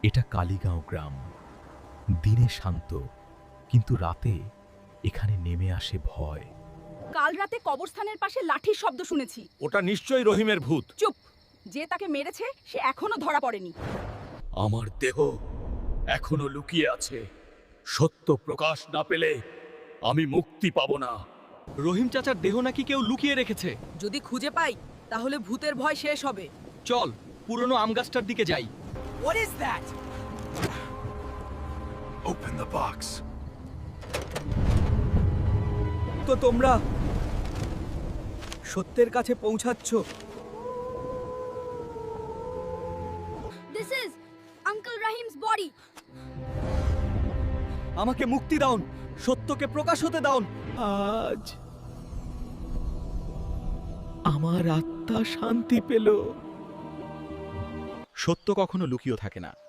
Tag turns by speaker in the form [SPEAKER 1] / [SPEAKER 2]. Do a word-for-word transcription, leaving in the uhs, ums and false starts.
[SPEAKER 1] এটা কালীগাঁও গ্রাম। দিনে শান্ত, কিন্তু রাতে এখানে নেমে আসে ভয়।
[SPEAKER 2] কাল রাতে কবরস্থানের পাশে লাঠির শব্দ শুনেছি।
[SPEAKER 3] ওটা নিশ্চয়ই রহিমের ভূত।
[SPEAKER 2] চুপ! যে তাকে মেরেছে সে এখনো ধরা পড়েনি।
[SPEAKER 1] আমার দেহ এখনো লুকিয়ে আছে। সত্য প্রকাশ না পেলে আমি মুক্তি পাব না।
[SPEAKER 4] রহিম চাচার দেহ নাকি কেউ লুকিয়ে রেখেছে।
[SPEAKER 2] যদি খুঁজে পাই তাহলে ভূতের ভয় শেষ হবে।
[SPEAKER 4] চল পুরনো আম গাছটার দিকে যাই।
[SPEAKER 2] What is that?
[SPEAKER 3] Open the box.
[SPEAKER 4] তো তোমরা সত্যের কাছে পৌঁছাচ্ছ।
[SPEAKER 2] This is Uncle Rahim's body.
[SPEAKER 4] আমাকে মুক্তি দাও, সত্যকে প্রকাশ হতে দাও।
[SPEAKER 1] আজ আমার আত্মা শান্তি পেল।
[SPEAKER 4] সত্য কখনো লুকিয়ে থাকে না,